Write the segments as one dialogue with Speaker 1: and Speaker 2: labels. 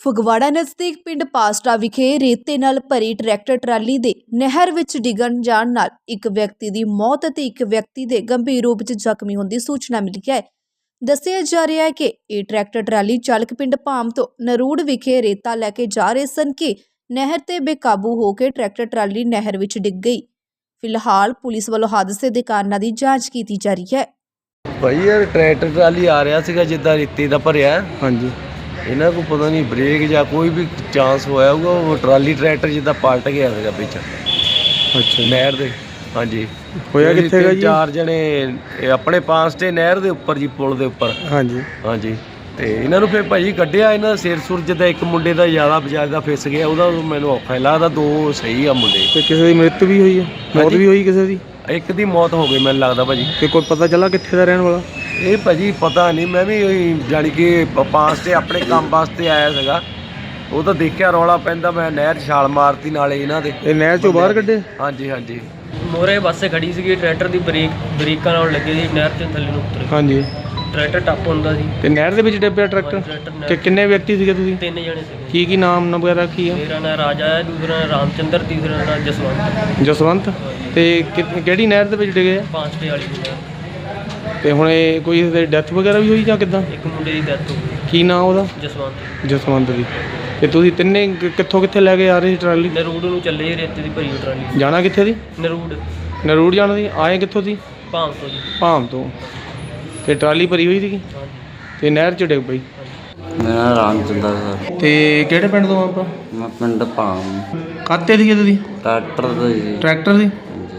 Speaker 1: ਫਗਵਾੜਾ ਨਜ਼ਦੀਕ ਪਿੰਡ ਪਾਸਟਾ ਵਿਖੇ ਰੇਤੇ ਨਾਲ ਭਰੀ ਟਰੈਕਟਰ ਟਰਾਲੀ ਦੇ ਨਹਿਰ ਵਿੱਚ ਡਿੱਗਣ ਜਾਣ ਨਾਲ ਇੱਕ ਵਿਅਕਤੀ ਦੀ ਮੌਤ ਅਤੇ ਇੱਕ ਵਿਅਕਤੀ ਦੇ ਗੰਭੀਰ ਰੂਪ ਵਿੱਚ ਜ਼ਖਮੀ ਹੋਣ ਦੀ ਸੂਚਨਾ ਮਿਲੀ ਹੈ। ਦੱਸਿਆ ਜਾ ਰਿਹਾ ਹੈ ਕਿ ਇਹ ਟਰੈਕਟਰ ਟਰਾਲੀ ਚਾਲਕ ਪਿੰਡ ਭਾਮ ਤੋਂ ਨਰੂੜ ਵਿਖੇ ਰੇਤਾ ਲੈ ਕੇ ਜਾ ਰਹੇ ਸਨ ਕਿ ਨਹਿਰ ਤੇ ਬੇਕਾਬੂ ਹੋ ਕੇ ਟਰੈਕਟਰ ਟਰਾਲੀ ਨਹਿਰ ਵਿੱਚ ਡਿੱਗ ਗਈ। ਫਿਲਹਾਲ ਪੁਲਿਸ ਵੱਲੋਂ ਹਾਦਸੇ ਦੇ ਕਾਰਨਾਂ ਦੀ ਜਾਂਚ ਕੀਤੀ ਜਾ ਰਹੀ ਹੈ।
Speaker 2: ਭਾਈ ਯਾਰ ਟਰੈਕਟਰ ਟਰਾਲੀ ਆ ਰਿਹਾ ਸੀਗਾ ਜਿੱਦਾਂ ਰੇਤੇ ਦਾ ਭਰਿਆ। ਹਾਂਜੀ, ਇਹਨਾਂ को पता नहीं ब्रेक ਜਾਂ ਕੋਈ ਵੀ ਚਾਂਸ ਹੋਇਆ ਹੋਊਗਾ, ਉਹ ਟਰਾਲੀ ਟਰੈਕਟਰ ਜਿੱਦਾਂ ਪਲਟ ਗਿਆ ਸੀਗਾ ਵਿੱਚ। ਅੱਛਾ, ਨਹਿਰ ਦੇ। ਹਾਂਜੀ, ਹੋਇਆ ਕਿੱਥੇ ਹੈਗਾ ਜੀ? 4 ਜਣੇ ਆਪਣੇ ਪਾਸ ਤੇ ਨਹਿਰ ਦੇ ਉੱਪਰ ਜੀ, ਪੁਲ ਦੇ ਉੱਪਰ। ਹਾਂਜੀ ਹਾਂਜੀ, ਤੇ ਇਹਨਾਂ ਨੂੰ ਫਿਰ ਭਾਜੀ ਕੱਢਿਆ, ਇਹਨਾਂ ਦਾ ਸਿਰ ਸੁਰ ਜਿੱਦਾਂ ਇੱਕ ਮੁੰਡੇ ਦਾ ਜ਼ਿਆਦਾ ਬਜਾਜ ਦਾ ਫਿਸ ਗਿਆ, ਉਹਦਾ ਮੈਨੂੰ ਔਖਾ ਲੱਗਦਾ, 2 ਸਹੀ ਆ ਮੁੰਡੇ। ਤੇ ਕਿਸੇ ਦੀ ਮ੍ਰਿਤ ਵੀ ਹੋਈ ਹੈ? ਮੌਤ ਵੀ ਹੋਈ ਕਿਸੇ ਦੀ? ਇੱਕ ਦੀ ਮੌਤ ਹੋ ਗਈ ਮੈਨੂੰ ਲੱਗਦਾ ਭਾਜੀ। ਤੇ ਕੋਈ ਪਤਾ ਚੱਲਾ ਕਿੱਥੇ ਦਾ ਰਹਿਣ ਵਾਲਾ? ਇਹ ਭਾਜੀ ਪਤਾ ਨਹੀਂ, ਮੈਂ ਵੀ ਜਾਣੀ ਕਿ ਪਾਸ ਤੇ ਆਪਣੇ ਕੰਮ ਵਾਸਤੇ ਆਇਆ ਸੀਗਾ, ਉਹ ਤਾਂ ਦੇਖਿਆ ਰੌਲਾ ਪੈਂਦਾ, ਮੈਂ ਨਹਿਰ 'ਚ ਛਾਲ ਮਾਰਤੀ ਨਾਲੇ ਇਹਨਾਂ ਦੇ। ਇਹ ਨਹਿਰ 'ਚੋਂ ਬਾਹਰ ਕੱਢੇ? ਹਾਂਜੀ ਹਾਂਜੀ।
Speaker 3: ਮੋਰੇ ਬੱਸੇ ਖੜੀ ਸੀਗੀ, ਟਰੈਕਟਰ ਦੀ ਬ੍ਰੇਕਾਂ ਨਾਲ ਲੱਗੀ ਸੀ, ਨਹਿਰ 'ਚ ਥੱਲੇ ਨੂੰ ਉਤਰ। ਹਾਂਜੀ, ਟਰੈਕਟਰ ਟੱਪ ਹੁੰਦਾ ਸੀ
Speaker 2: ਤੇ ਨਹਿਰ ਦੇ ਵਿੱਚ ਡੱਬਿਆ ਟਰੈਕਟਰ। ਤੇ ਕਿੰਨੇ ਵਿਅਕਤੀ ਸੀਗੇ ਤੁਸੀਂ?
Speaker 3: 3 ਜਣੇ ਸੀਗੇ।
Speaker 2: ਕੀ ਨਾਮ ਵਗੈਰਾ ਕੀ ਆ?
Speaker 3: ਮੇਰਾ ਨਾਮ ਰਾਜਾ ਹੈ, ਦੂਸਰਾ ਨਾਮ ਰਾਮਚੰਦਰ, ਤੀਸਰਾ ਨਾਮ ਜਸਵੰਤ।
Speaker 2: ਜਸਵੰਤ। ਤੇ ਕਿਹੜੀ ਨਹਿਰ ਦੇ ਵਿੱਚ ਡਿੱਗੇ ਆ?
Speaker 3: ਪਾਂਚਟੇ ਵਾਲੀ ਨਹਿਰ।
Speaker 2: ਤੇ ਹੁਣ ਇਹ ਕੋਈ ਡੈਥ ਵਗੈਰਾ ਵੀ ਹੋਈ ਜਾਂ ਕਿੱਦਾਂ?
Speaker 3: ਇੱਕ ਮੁੰਡੇ ਦੀ ਡੈਥ ਹੋ ਗਈ।
Speaker 2: ਕੀ ਨਾਮ ਉਹਦਾ?
Speaker 3: ਜਸਵੰਤ।
Speaker 2: ਜਸਵੰਤ ਦੀ। ਤੇ ਤੁਸੀਂ ਤਿੰਨੇ ਕਿੱਥੋਂ ਕਿੱਥੇ ਲੈ ਕੇ ਆ ਰਹੇ ਸੀ ਟਰਾਲੀ?
Speaker 3: ਨਰੂੜ ਨੂੰ ਚੱਲੇ ਜੀ, ਰੇਤੇ ਦੀ ਭਰੀ ਟਰਾਲੀ।
Speaker 2: ਜਾਣਾ ਕਿੱਥੇ ਦੀ?
Speaker 3: ਨਰੂੜ।
Speaker 2: ਨਰੂੜ ਜਾਣਾ ਸੀ। ਆਏ ਕਿੱਥੋਂ ਸੀ?
Speaker 3: ਭਾਮ ਤੋਂ ਜੀ।
Speaker 2: ਭਾਮ ਤੋਂ। ਤੇ ਟਰਾਲੀ ਭਰੀ ਹੋਈ ਸੀਗੀ ਤੇ ਨਹਿਰ 'ਚ ਡਿੱਗ ਪਈ।
Speaker 4: ਮੇਰਾ ਨਾਮ ਰਾਮਚੰਦਰ ਸਰ।
Speaker 2: ਤੇ ਕਿਹੜੇ ਪਿੰਡ ਤੋਂ ਆਪਾਂ?
Speaker 4: ਮੈਂ ਪਿੰਡ ਭਾਮ।
Speaker 2: ਕਾਤੇ ਸੀਗੇ ਤੁਸੀਂ?
Speaker 4: ਟਰੈਕਟਰ ਦਾ ਜੀ।
Speaker 2: ਟਰੈਕਟਰ ਸੀ।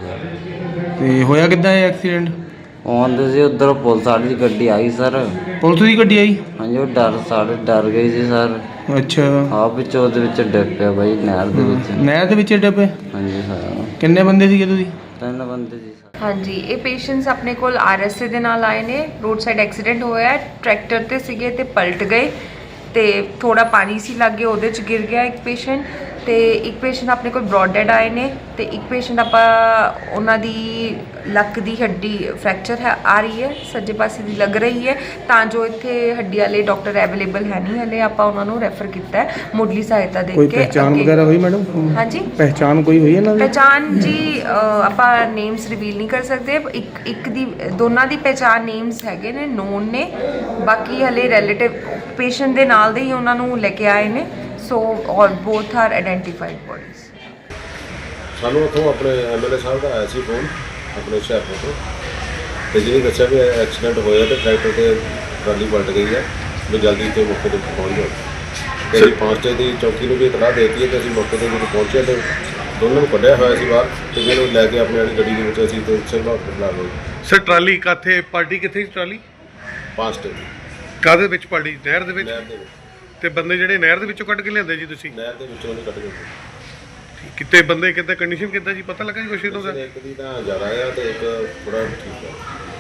Speaker 2: ਤੇ ਹੋਇਆ ਕਿੱਦਾਂ ਇਹ ਐਕਸੀਡੈਂਟ?
Speaker 4: ਆਉਂਦੇ ਸੀ ਉੱਧਰ ਪੁਲਿਸ ਵਾਲੀ ਦੀ ਗੱਡੀ ਆਈ ਸਰ।
Speaker 2: ਪੁਲਿਸ ਦੀ ਗੱਡੀ ਆਈ?
Speaker 4: ਹਾਂਜੀ, ਉਹ ਡਰ ਗਈ ਸੀ ਸਰ।
Speaker 2: ਅੱਛਾ।
Speaker 4: ਆਪ ਵਿੱਚ ਉਹਦੇ ਵਿੱਚ ਡਿੱਗ ਪਿਆ ਬਾਈ, ਨਹਿਰ ਦੇ ਵਿੱਚ।
Speaker 2: ਨਹਿਰ ਦੇ ਵਿੱਚ ਡਿੱਗ ਪਏ?
Speaker 4: ਹਾਂਜੀ ਸਰ।
Speaker 2: ਕਿੰਨੇ ਬੰਦੇ ਸੀਗੇ ਤੁਸੀਂ?
Speaker 4: 3 ਬੰਦੇ ਸੀ ਸਰ।
Speaker 5: ਹਾਂਜੀ, ਇਹ ਪੇਸ਼ੈਂਟਸ ਆਪਣੇ ਕੋਲ RSA ਦੇ ਨਾਲ ਆਏ ਨੇ। ਰੋਡ ਸਾਈਡ ਐਕਸੀਡੈਂਟ ਹੋਇਆ, ਟਰੈਕਟਰ ਤੇ ਸੀਗੇ ਤੇ ਪਲਟ ਗਏ ਤੇ ਥੋੜਾ ਪਾਣੀ ਸੀ ਲੱਗੇ, ਉਹਦੇ 'ਚ ਗਿਰ ਗਿਆ ਇੱਕ ਪੇਸ਼ੈਂਟ। ਤੇ ਇੱਕ ਪੇਸ਼ੈਂਟ ਆਪਣੇ ਕੋਲ ਬ੍ਰੌਡ ਡੈਡ ਆਏ ਨੇ ਤੇ ਇੱਕ ਪੇਸ਼ੈਂਟ ਆਪਾਂ ਉਹਨਾਂ ਦੀ ਲੱਕ ਦੀ ਹੱਡੀ ਫ੍ਰੈਕਚਰ ਹੈ ਆ ਰਹੀ ਹੈ, ਸੱਜੇ ਪਾਸੇ ਦੀ ਲੱਗ ਰਹੀ ਹੈ, ਤਾਂ ਜੋ ਇੱਥੇ ਹੱਡੀ ਵਾਲੇ ਡਾਕਟਰ ਅਵੇਲੇਬਲ ਹੈ ਨਹੀਂ ਹਲੇ, ਆਪਾਂ ਉਹਨਾਂ ਨੂੰ ਰੈਫਰ ਕੀਤਾ ਹੈ ਮੁੱਢਲੀ ਸਹਾਇਤਾ ਦੇ ਕੇ।
Speaker 2: ਕੋਈ ਪਹਿਚਾਣ ਵਗੈਰਾ ਹੋਈ ਮੈਡਮ?
Speaker 5: ਹਾਂਜੀ,
Speaker 2: ਪਹਿਚਾਣ ਕੋਈ ਹੋਈ ਇਹਨਾਂ ਦੀ?
Speaker 5: ਪਹਿਚਾਣ ਜੀ ਆਪਾਂ ਨੇਮਸ ਰਿਵੀਲ ਨਹੀਂ ਕਰ ਸਕਦੇ। ਇੱਕ ਦੀ ਦੋਨਾਂ ਦੀ ਪਹਿਚਾਣ ਨੇਮਸ ਹੈਗੇ ਨੇ, ਨੋਨ ਨੇ, ਬਾਕੀ ਹਲੇ ਰਿਲੇਟਿਵ ਪੇਸ਼ੈਂਟ ਦੇ ਨਾਲ ਦੇ ਹੀ ਉਹਨਾਂ ਨੂੰ ਲੈ ਕੇ ਆਏ ਨੇ। ਸੋ ਔਰ ਬੋਥ ਆਰ ਆਇਡੈਂਟੀਫਾਈਡ ਬੋਡੀਜ਼।
Speaker 6: ਸਾਨੂੰ ਉੱਥੋਂ ਆਪਣੇ MLA ਸਾਹਿਬ ਦਾ ਆਇਆ ਸੀ ਫੋਨ ਆਪਣੇ ਹੁਸ਼ਿਆਰਪੁਰ ਤੋਂ, ਤੇ ਜਿਹਨੇ ਦੱਸਿਆ ਵੀ ਐਕਸੀਡੈਂਟ ਹੋਇਆ ਤੇ ਟਰੈਕਟਰ ਤੇ ਟਰਾਲੀ ਪਲਟ ਗਈ ਹੈ, ਵੀ ਜਲਦੀ ਤੇ ਮੌਕੇ 'ਤੇ ਪਹੁੰਚ ਜਾਓ। ਤੇ ਅਸੀਂ ਪਾਂਚਟੇ ਦੀ ਚੌਕੀ ਨੂੰ ਵੀ ਇਤਲਾਹ ਦੇ ਦਿੱਤੀ ਹੈ ਤੇ ਅਸੀਂ ਮੌਕੇ 'ਤੇ ਜਦੋਂ ਪਹੁੰਚੇ ਤੇ ਦੋਨਾਂ ਨੂੰ ਕੱਢਿਆ ਹੋਇਆ ਸੀ ਬਾਹਰ, ਤੇ ਜਿਹਨੂੰ ਲੈ ਕੇ ਆਪਣੀ ਵਾਲੀ ਗੱਡੀ ਦੇ ਵਿੱਚ ਅਸੀਂ ਤੇ ਸਿਵਲ ਹਸਪਤਾਲ ਆ ਗਏ।
Speaker 7: ਸਰ ਟਰਾਲੀ ਕਾਥੇ ਪਾਰਟੀ ਕਿੱਥੇ ਸੀ? ਟਰਾਲੀ
Speaker 6: ਪਾਂਚਟੇ ਦੀ।
Speaker 7: ਕਾਹਦੇ ਵਿੱਚ ਪਾਰਟੀ? ਨਹਿਰ ਦੇ ਵਿੱਚ?
Speaker 6: ਨਹਿਰ ਦੇ ਵਿੱਚ।
Speaker 7: ਤੇ ਬੰਦੇ ਜਿਹੜੇ ਨਹਿਰ ਦੇ ਵਿੱਚੋਂ ਕੱਢ ਕੇ ਲਿਆਂਦੇ ਜੀ ਤੁਸੀਂ?
Speaker 6: ਨਹਿਰ ਦੇ ਵਿੱਚੋਂ ਨਹੀਂ ਕੱਢ ਗਏ।
Speaker 7: ਕਿਤੇ ਬੰਦੇ ਕਿੱਦਾਂ ਕੰਡੀਸ਼ਨ ਕਿੱਦਾਂ ਜੀ, ਪਤਾ ਲੱਗਾ ਜੀ ਕੁਛ ਇਹਦਾ?
Speaker 6: ਇੱਕ ਦੀ ਤਾਂ ਜ਼ਿਆਦਾ ਆ ਤੇ ਇੱਕ ਥੋੜਾ ਠੀਕ ਆ।